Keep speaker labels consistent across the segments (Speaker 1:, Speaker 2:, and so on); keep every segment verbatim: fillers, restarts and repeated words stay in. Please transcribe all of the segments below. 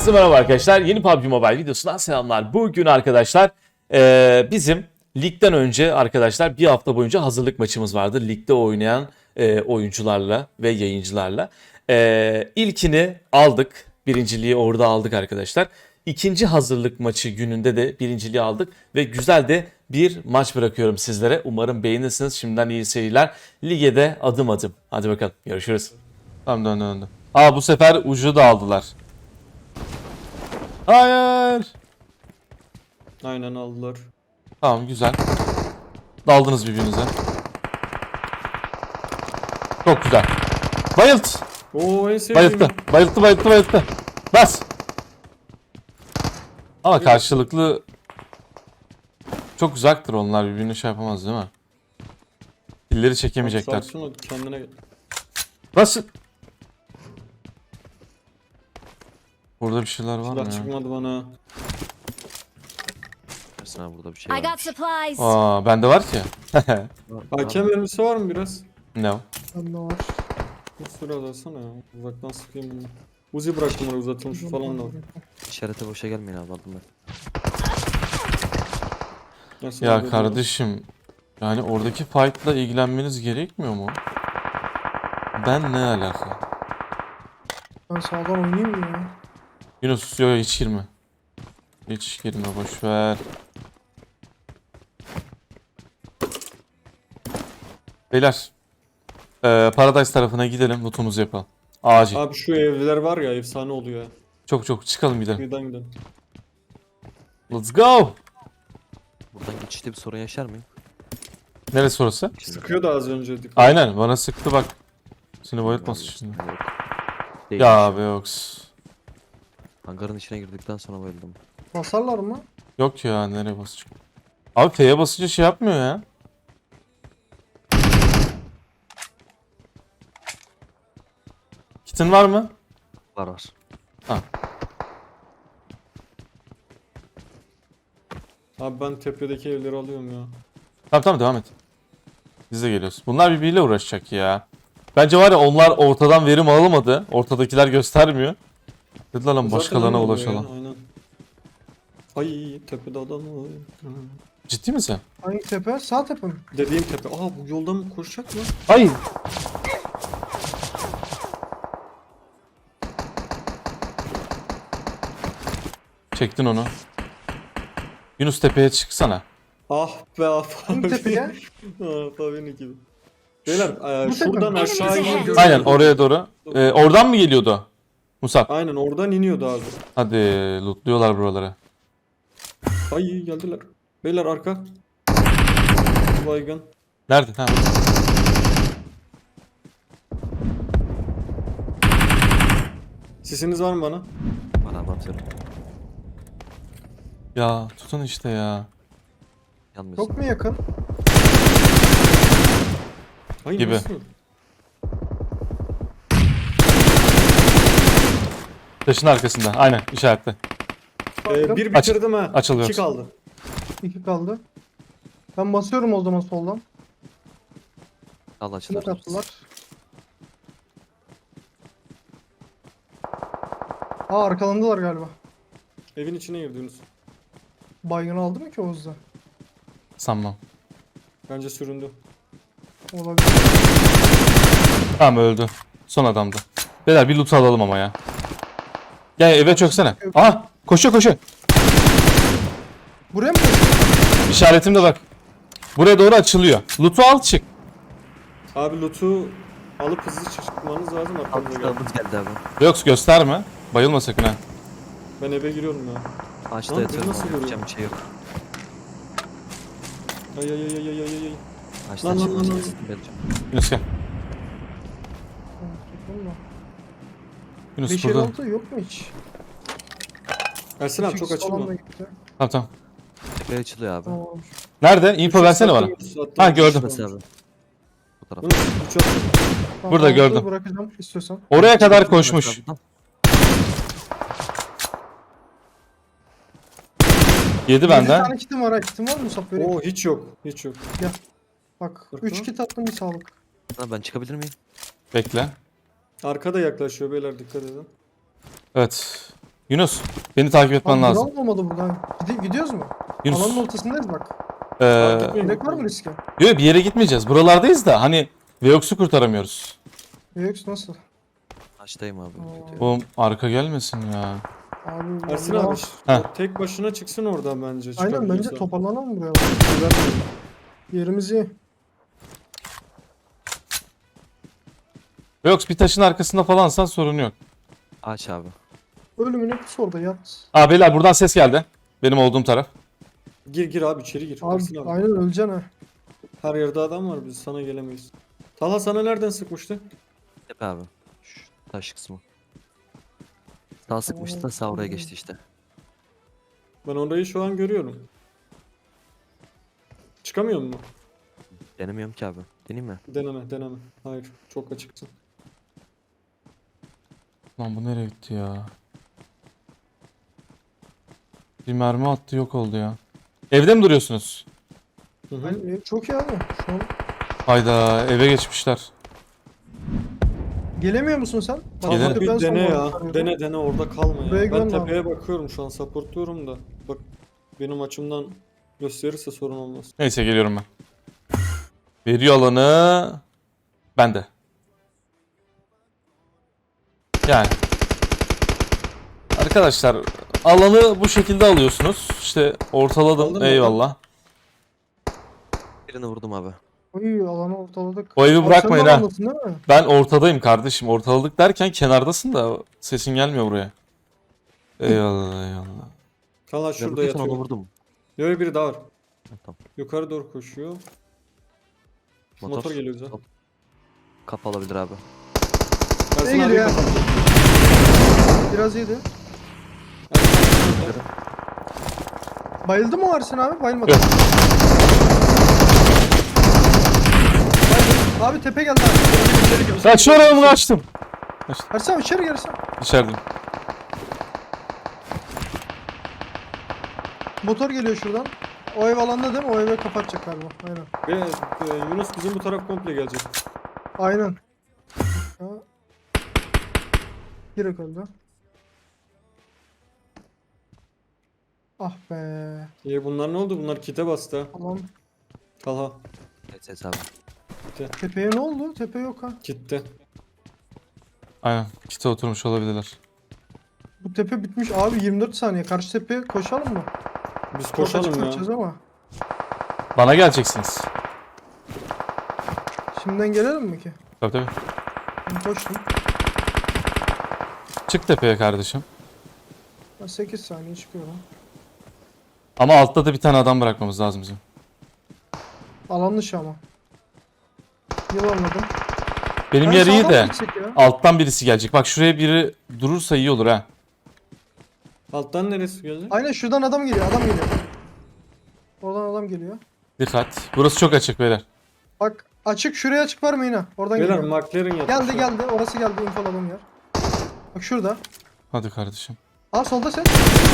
Speaker 1: Herkese merhaba arkadaşlar. Yeni P U B G Mobile videosundan selamlar. Bugün arkadaşlar e, bizim ligden önce arkadaşlar bir hafta boyunca hazırlık maçımız vardı. Ligde oynayan e, oyuncularla ve yayıncılarla. E, ilkini aldık. Birinciliği orada aldık arkadaşlar. İkinci hazırlık maçı gününde de birinciliği aldık. Ve güzel de bir maç bırakıyorum sizlere. Umarım beğenirsiniz. Şimdiden iyi seyirler. Lige de adım adım. Hadi bakalım. Görüşürüz. Tamam döndü döndü. Aa bu sefer ucu da aldılar. Hayır.
Speaker 2: Aynen aldılar.
Speaker 1: Tamam güzel. Daldınız birbirinize. Çok güzel. Bayılt.
Speaker 2: Oo en sevdiğim.
Speaker 1: Bayılttı. Bayılttı bayılttı bayılttı. Bas. Ama karşılıklı çok uzaktır onlar, birbirini şey yapamaz değil mi? Pilleri çekemeyecekler.
Speaker 2: Sakin ol, kendine gel.
Speaker 1: Basın. Burada bir şeyler var mı
Speaker 2: Silah
Speaker 1: ya?
Speaker 2: çıkmadı bana.
Speaker 3: Ersin abi burada bir şey
Speaker 4: I got
Speaker 3: varmış.
Speaker 4: supplies.
Speaker 1: Aa bende var ki.
Speaker 2: A K mermisi var mı biraz?
Speaker 1: Ne o?
Speaker 5: Bende var.
Speaker 2: Bir sürü alasana ya. Uzaktan sıkayım bunu. Uzi bıraktım oraya, uzatılmış falan da var.
Speaker 3: İşarete boşa gelmeyin abi, aldım ben.
Speaker 2: Nasıl
Speaker 1: Ya
Speaker 2: abi,
Speaker 1: kardeşim, yani oradaki fight'la ilgilenmeniz gerekmiyor mu? Ben ne alaka?
Speaker 5: Ben sağdan oynayayım mı ya?
Speaker 1: Yunus yo hiç girme. Hiç girme, boş ver. Beyler. Ee, Paradise tarafına gidelim, lootumuzu yapalım. Acil.
Speaker 2: Abi şu evliler var ya, efsane oluyor ya.
Speaker 1: Çok çok çıkalım gidelim.
Speaker 2: Birden gidelim.
Speaker 1: Let's go.
Speaker 3: Buradan geçişte bir sorun yaşar mıyım?
Speaker 1: Neresi orası?
Speaker 2: Sıkıyor da az önce. Dikkat.
Speaker 1: Aynen bana sıktı bak. Seni bayıltmasın şimdi.
Speaker 3: Yok. Değil.
Speaker 1: Ya abi yoks.
Speaker 3: Hangarın içine girdikten sonra bayıldım.
Speaker 5: Basarlar mı?
Speaker 1: Yok ya, nereye basacak? Abi F'ye basınca şey yapmıyor ya. Kitin var mı?
Speaker 3: Var var.
Speaker 1: Ha.
Speaker 2: Abi ben tepedeki evleri alıyorum ya.
Speaker 1: Tamam tamam devam et. Biz de geliyoruz. Bunlar birbiriyle uğraşacak ya. Bence var ya, onlar ortadan verim alamadı. Ortadakiler göstermiyor. Dediler lan
Speaker 2: Zaten
Speaker 1: başkalarına
Speaker 2: öyle oluyor
Speaker 1: ulaşalım.
Speaker 2: ya, aynen. Ay tepede adam var. Hı.
Speaker 1: Ciddi misin?
Speaker 5: Hangi tepe? Sağ tepe mi?
Speaker 2: Dediğim tepe. Aa bu yoldan mı koşacak mı?
Speaker 1: Ay. Çektin onu. Yunus tepeye çıksana.
Speaker 2: Ah be ah
Speaker 5: Hangi
Speaker 2: abi.
Speaker 5: tepeye?
Speaker 2: Ah abi gibi. Beyler e,
Speaker 5: Bu tepe
Speaker 2: şuradan
Speaker 5: mi?
Speaker 2: aşağı iniyor.
Speaker 1: Aynen oraya doğru. Ee, oradan mı geliyordu? Musab.
Speaker 2: Aynen oradan iniyordu abi.
Speaker 1: Hadi lootluyorlar buraları.
Speaker 2: Ay geldiler. Beyler arka. Baygın.
Speaker 1: Nerede? Ha.
Speaker 2: Sesiniz var mı bana?
Speaker 3: Bana abi atıyorum.
Speaker 1: Ya tutun işte ya.
Speaker 3: Yanmıyorsun.
Speaker 5: Yok mu yakın?
Speaker 2: Ay
Speaker 1: Gibi.
Speaker 2: nasıl?
Speaker 1: Taşın arkasında. Aynen işaretle.
Speaker 2: Ee, bir
Speaker 1: Aç-
Speaker 2: bitirdim ha.
Speaker 1: açılıyor.
Speaker 2: İki kaldı.
Speaker 5: İki kaldı. Ben basıyorum o zaman soldan.
Speaker 3: Al açılır.
Speaker 5: Smoke attılar. Aa arkalandılar galiba.
Speaker 2: Evin içine girdiniz.
Speaker 5: Baygın aldı mı ki o hızla?
Speaker 1: Sanmam.
Speaker 2: Bence süründü.
Speaker 5: Olabilir.
Speaker 1: Tamam öldü. Son adamdı. Beyler bir loot alalım ama ya. Gel eve çöksene. Aha koşuyor koşuyor.
Speaker 5: Buraya mı koşuyor?
Speaker 1: İşaretimde bak. Buraya doğru açılıyor. Loot'u al çık.
Speaker 2: Abi loot'u alıp hızlı çıkmanız lazım arkamıza geldi.
Speaker 3: Altımız geldi abi.
Speaker 1: Yok gösterme. Bayılma sakın ha.
Speaker 2: Ben eve giriyorum ya.
Speaker 3: Ağaçta
Speaker 2: Lan,
Speaker 3: yatıyorum
Speaker 2: nasıl
Speaker 3: abi.
Speaker 2: görüyorum?
Speaker 3: Yapacağım bir şey yok.
Speaker 2: Ay ay ay ay ay ay ay.
Speaker 3: Ağaçtan
Speaker 2: Lan, lan,
Speaker 3: çıkmaz.
Speaker 2: lan, lan.
Speaker 3: kesin geleceğim.
Speaker 1: Yunus gel. Yunus
Speaker 5: beş
Speaker 1: burada.
Speaker 5: altı yok mu hiç?
Speaker 2: Ersin abi çok
Speaker 5: üç x falan da
Speaker 2: açılma.
Speaker 5: gitti.
Speaker 1: Tamam tamam.
Speaker 3: Tepe açılıyor abi.
Speaker 5: Tamam olmuş.
Speaker 1: Nerede? Info versene bana. Ha, gördüm.
Speaker 3: Burası abi. Bu taraf.
Speaker 2: Bunu üç at.
Speaker 5: Tamam,
Speaker 1: Burada
Speaker 5: altı
Speaker 1: gördüm.
Speaker 5: Bırakacağım istiyorsan.
Speaker 1: Oraya kadar koşmuş. Yedi
Speaker 5: Bir
Speaker 1: benden.
Speaker 5: tane kitim var ha. Kitim var mı Musab? Vereyim.
Speaker 2: Oo hiç yok. Hiç yok.
Speaker 5: Bak
Speaker 2: Bakın.
Speaker 5: üç kit attım bir sağlık.
Speaker 3: Ha, ben çıkabilir miyim?
Speaker 1: Bekle.
Speaker 2: Arkada yaklaşıyor beyler, dikkat edin.
Speaker 1: Evet. Yunus beni takip etmen
Speaker 5: Abi
Speaker 1: lazım.
Speaker 5: drone olmadı burada. Gidi- gidiyoruz mu?
Speaker 1: Yunus.
Speaker 5: Alanın ortasındayız bak.
Speaker 1: Ee,
Speaker 5: Gerek var mı riske?
Speaker 1: yok bir yere gitmeyeceğiz. Buralardayız da hani Veox'u kurtaramıyoruz.
Speaker 5: Yok nasıl?
Speaker 3: Taştayım abi.
Speaker 5: Aa.
Speaker 1: Oğlum arka gelmesin ya.
Speaker 5: Abi
Speaker 2: Ersin
Speaker 5: vallahi-
Speaker 2: abi
Speaker 1: Heh.
Speaker 2: tek başına çıksın oradan bence.
Speaker 5: Aynen bence
Speaker 2: çıkabiliyorsa.
Speaker 5: toparlanalım buraya.
Speaker 2: Güvenmiyorum.
Speaker 5: Yerimiz iyi.
Speaker 1: Veox bir taşın arkasında falansan sorun yok.
Speaker 3: Aç abi.
Speaker 5: Ölümüne pus orada yat.
Speaker 1: Aa beyler buradan ses geldi. Benim olduğum taraf.
Speaker 2: Gir gir abi içeri gir.
Speaker 5: Abi,
Speaker 2: Ersin abi.
Speaker 5: aynen öleceksin ha.
Speaker 2: Her yerde adam var biz sana gelemeyiz. Talha sana nereden sıkmıştı?
Speaker 3: Tepe abi. Şu taş kısmı. Sağ sıkmıştı da sağ oraya geçti işte.
Speaker 2: Ben orayı şu an görüyorum. Çıkamıyor mu?
Speaker 3: Denemiyorum ki abi. Deneyeyim mi?
Speaker 2: Deneme deneme. Hayır çok açıksın.
Speaker 1: Lan bu nereye gitti ya? Bir mermi attı yok oldu ya. Evde mi duruyorsunuz?
Speaker 2: Hı hı.
Speaker 5: Aynen, e, çok iyi abi. Şu an.
Speaker 1: Hayda eve geçmişler.
Speaker 5: Gelemiyor musun sen? Bak,
Speaker 1: Gele-
Speaker 2: Talha
Speaker 5: tepeden
Speaker 2: bir dene
Speaker 5: sonra
Speaker 2: ya.
Speaker 5: arıyorum.
Speaker 2: Dene dene orada kalma ya.
Speaker 5: Buraya
Speaker 2: Ben
Speaker 5: güvenme
Speaker 2: tepeye bakıyorum şu an supportluyorum da. Bak benim açımdan gösterirse sorun olmaz.
Speaker 1: Neyse geliyorum ben. Veriyor alanı. Ben de. Yani. Arkadaşlar alanı bu şekilde alıyorsunuz. İşte ortaladım
Speaker 2: Aldın mı?
Speaker 1: eyvallah.
Speaker 3: Birini vurdum abi.
Speaker 5: Oy alanı ortaladık.
Speaker 1: O evi
Speaker 5: Abi
Speaker 1: bırakmayın
Speaker 5: sen de
Speaker 1: ha.
Speaker 5: alandasın değil mi?
Speaker 1: Ben ortadayım kardeşim. Ortaladık derken kenardasın da sesin gelmiyor buraya. Eyvallah eyvallah.
Speaker 2: Talha
Speaker 3: Ben
Speaker 2: şurada
Speaker 3: vurduysan onu
Speaker 2: yatıyor.
Speaker 3: vurdum.
Speaker 2: Yok biri daha var.
Speaker 3: Ha, tamam.
Speaker 2: Yukarı doğru koşuyor. Motor,
Speaker 3: Motor,
Speaker 2: geliyor bize.
Speaker 3: Hop. Kapı olabilir abi.
Speaker 2: Ersin
Speaker 5: Ne
Speaker 2: abi
Speaker 5: geliyor ya?
Speaker 2: kapattı.
Speaker 5: Biraz iyiydi.
Speaker 2: Ersin abi kapattı.
Speaker 5: Bayıldı mı Ersin abi? Bayılmadı.
Speaker 1: Yok.
Speaker 5: Bayıldı. Abi tepe geldi abi. İçeri gir.
Speaker 1: Kaçıyorum kaçtım.
Speaker 5: Ersin abi içeri gir Ersin.
Speaker 1: İçerideyim.
Speaker 5: Motor geliyor şuradan. O ev alanda değil mi? O eve kapatacak galiba. Aynen.
Speaker 2: Ve e, Yunus bizim bu taraf komple gelecek.
Speaker 5: Aynen. Ha. Direkt öldü. Ah be.
Speaker 2: İyi bunlar ne oldu? Bunlar kite bastı. ha.
Speaker 5: Tamam.
Speaker 2: Talha.
Speaker 3: Evet ses abi.
Speaker 5: Tepeye ne oldu? Tepe yok ha.
Speaker 2: Kitte.
Speaker 1: Aynen. Kite oturmuş olabilirler.
Speaker 5: Bu tepe bitmiş abi yirmi dört saniye. Karşı tepeye koşalım mı?
Speaker 2: Biz
Speaker 5: Çok açık
Speaker 2: koşalım ya.
Speaker 5: kaçacağız ama.
Speaker 1: Bana geleceksiniz.
Speaker 5: Şimdiden gelelim mi ki?
Speaker 1: Tabii tabii.
Speaker 5: Ben koştum.
Speaker 1: Çık tepeye kardeşim.
Speaker 5: Ben sekiz saniye çıkıyorum.
Speaker 1: Ama altta da bir tane adam bırakmamız lazım bizim.
Speaker 5: Alan dışı ama. Yılanladım.
Speaker 1: Benim
Speaker 5: Ben
Speaker 1: yer iyi
Speaker 5: sağdan
Speaker 1: de
Speaker 5: mı gitsek ya?
Speaker 1: alttan birisi gelecek. Bak şuraya biri durursa iyi olur ha.
Speaker 2: Alttan neresi gelecek?
Speaker 5: Aynen şuradan adam geliyor. Adam geliyor. Oradan adam geliyor.
Speaker 1: Dikkat. Burası çok açık beyler.
Speaker 5: Bak açık şuraya açık vermeyin ha. Oradan
Speaker 2: Beyler
Speaker 5: geliyor.
Speaker 2: McLaren yapmış.
Speaker 5: Geldi geldi. Orası geldi. Infoladım yer. Bak şurada.
Speaker 1: Hadi kardeşim.
Speaker 5: Aa solda sen.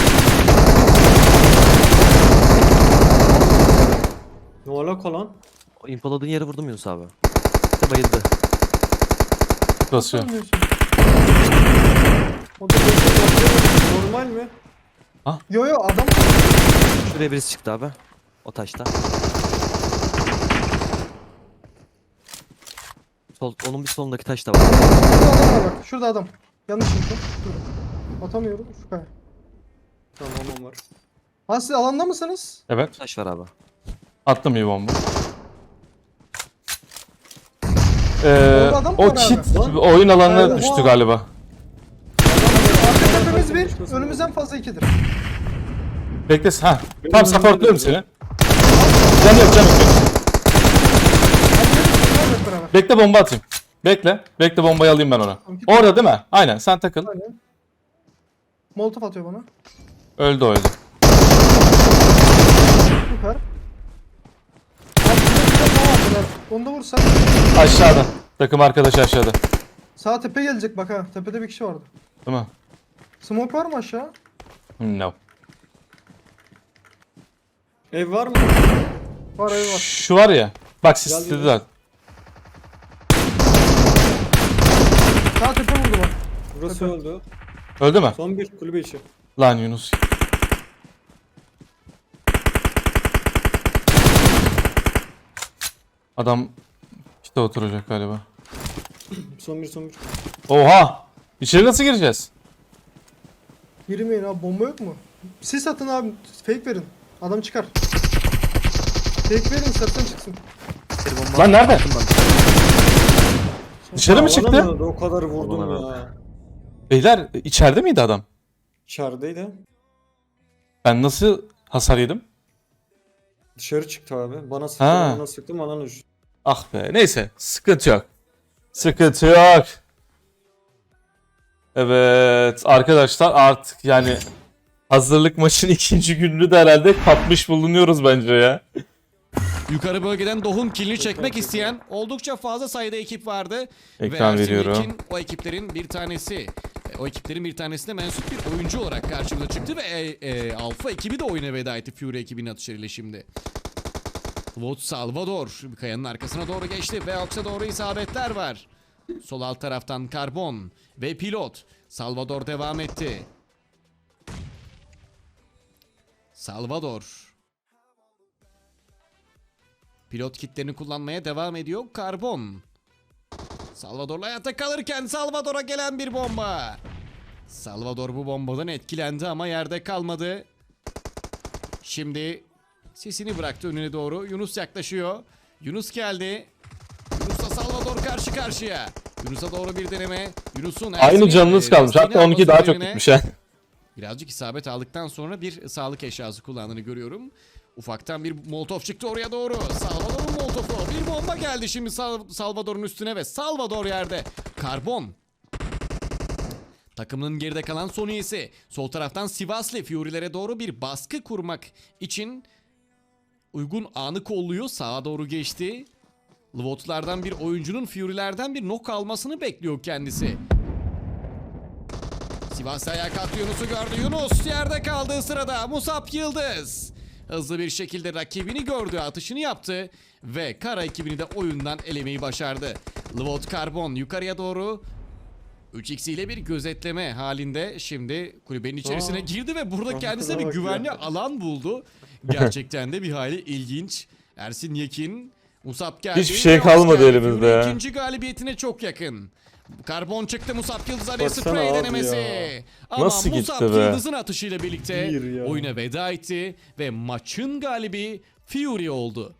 Speaker 2: Ne alaka lan?
Speaker 3: O infoladığın yere vurdum Yunus abi. İşte bayıldı.
Speaker 1: Basıyor.
Speaker 5: Ölmüyorsun. O da
Speaker 2: Normal mi?
Speaker 5: Yo yo adam.
Speaker 3: Şuraya birisi çıktı abi. O taşta. Sol, onun bir solundaki taş da var.
Speaker 5: Şurada adam var bak. Şurada adam. Yanlış info. Dur. Atamıyorum. Şu kaya.
Speaker 2: Tamam var.
Speaker 5: Ha siz alanda mısınız?
Speaker 1: Evet.
Speaker 3: Taş var abi.
Speaker 1: Attım bir bomba. Ee,
Speaker 5: Orada adam mı
Speaker 1: o
Speaker 5: var abi?
Speaker 1: kit
Speaker 2: Lan.
Speaker 1: oyun alanına
Speaker 5: Oha.
Speaker 1: düştü galiba.
Speaker 5: Arka tepemiz bir. Önümüzden fazla ikidir.
Speaker 1: Bekle. Ha.
Speaker 2: Benim
Speaker 1: Tam
Speaker 2: önümde
Speaker 1: supportluyorum
Speaker 2: de-
Speaker 1: seni. Can yok can yok.
Speaker 5: Hadi hep beraber.
Speaker 1: Bekle bomba atayım. Bekle. Bekle bombayı alayım ben ona. Orada değil mi? Aynen sen takıl.
Speaker 5: Aynen. Molotof atıyor bana.
Speaker 1: Öldü o öldü.
Speaker 5: Süper. Abi bir de daha vardılar. Onu da vursan.
Speaker 1: Aşağıda. Takım arkadaşı aşağıda.
Speaker 5: Sağ tepe gelecek bak ha. Tepede bir kişi vardı.
Speaker 1: Değil mi?
Speaker 5: Smoke var mı aşağı?
Speaker 1: No.
Speaker 2: Ev var mı?
Speaker 5: Var ev var.
Speaker 1: Şu var ya. Bak siz
Speaker 2: Gel, gel.
Speaker 1: istediler.
Speaker 5: Sağ tepe vurdu bak.
Speaker 2: Burası öldü.
Speaker 1: Öldü mü?
Speaker 2: Son bir kulübe içi.
Speaker 1: Lan Yunus. Adam işte oturacak galiba.
Speaker 2: Son bir son bir.
Speaker 1: Oha! İçeri nasıl gireceğiz?
Speaker 5: Girmeyin abi, bomba yok mu? Sis atın abi, fake verin. Adam çıkar. Fake verin, istersen çıksın.
Speaker 3: Bir bomba
Speaker 1: Lan nerede?
Speaker 3: attım ben.
Speaker 1: Dışarı mı
Speaker 2: Alana
Speaker 1: çıktı?
Speaker 2: mı? O kadar vurdum
Speaker 3: Alana
Speaker 2: ya.
Speaker 1: Beyler içeride miydi adam?
Speaker 2: İçerideydi.
Speaker 1: Ben nasıl hasar yedim?
Speaker 2: Dışarı çıktı abi. Bana sıktı,
Speaker 1: Ha.
Speaker 2: bana sıktı, bana düştü.
Speaker 1: Ah be, neyse, sıkıntı yok. Sıkıntı yok. Evet arkadaşlar, artık yani hazırlık maçın ikinci gününü de herhalde kapmış bulunuyoruz bence ya.
Speaker 4: Yukarı bölgeden Doh'un kilini çekmek isteyen oldukça fazla sayıda ekip vardı.
Speaker 1: Ekran
Speaker 4: Ve Ersin
Speaker 1: veriyorum.
Speaker 4: Yekin o ekiplerin bir tanesi. E, O ekiplerin bir tanesine mensup bir oyuncu olarak karşımıza çıktı ve e, e, Alfa ekibi de oyuna veda etti Fury ekibinin atışlarıyla şimdi. Vot Salvador kayanın arkasına doğru geçti ve Ox'a doğru isabetler var. Sol alt taraftan Karbon ve Pilot. Salvador devam etti. Salvador. Pilot kitlerini kullanmaya devam ediyor. Karbon. Salvador'la hayatta kalırken Salvador'a gelen bir bomba. Salvador bu bombadan etkilendi ama yerde kalmadı. Şimdi sesini bıraktı önüne doğru. Yunus yaklaşıyor. Yunus geldi. Yunus'la Salvador karşı karşıya. Yunus'a doğru bir deneme. Yunus'un
Speaker 1: Aynı
Speaker 4: Ersin'in,
Speaker 1: canınız
Speaker 4: e,
Speaker 1: kalmış.
Speaker 4: lastiğini
Speaker 1: Hatta onunki daha
Speaker 4: alması
Speaker 1: çok
Speaker 4: üzerine
Speaker 1: gitmiş ha.
Speaker 4: Birazcık isabet aldıktan sonra bir sağlık eşyası kullandığını görüyorum. Ufaktan bir molotof çıktı oraya doğru. Salvador'un molotofu. Bir bomba geldi şimdi Sal- Salvador'un üstüne ve Salvador yerde. Karbon. Takımının geride kalan son üyesi. Sol taraftan Sivaslı Fury'lere doğru bir baskı kurmak için uygun anı kolluyor. Sağa doğru geçti. Lvotlardan bir oyuncunun Fury'lerden bir nok almasını bekliyor kendisi. Sivas ayağa kalktı, Yunus'u gördü. Yunus yerde kaldığı sırada Musab Yıldız hızlı bir şekilde rakibini gördü, atışını yaptı ve Kara ekibini de oyundan elemeyi başardı. Lvot Karbon yukarıya doğru üç x ile bir gözetleme halinde şimdi kulübenin içerisine
Speaker 2: Aa.
Speaker 4: girdi ve burada kendisine bir
Speaker 2: bak ya.
Speaker 4: güvenli alan buldu. Gerçekten de bir hayli ilginç. Ersin Yekin, Musab geldi.
Speaker 1: Hiçbir şey
Speaker 4: ve
Speaker 1: kalmadı
Speaker 4: Oscar
Speaker 1: elimizde
Speaker 4: Fury
Speaker 1: ya.
Speaker 4: İkinci galibiyetine çok yakın. Karbon çıktı, Musab Yıldız araya
Speaker 2: Baksana
Speaker 4: sprey
Speaker 2: abi
Speaker 4: denemesi.
Speaker 2: ya.
Speaker 4: Ama
Speaker 1: Nasıl
Speaker 4: Musab
Speaker 1: gitti be?
Speaker 4: Yıldız'ın atışıyla birlikte
Speaker 2: Bir ya.
Speaker 4: oyuna veda etti ve maçın galibi Fury oldu.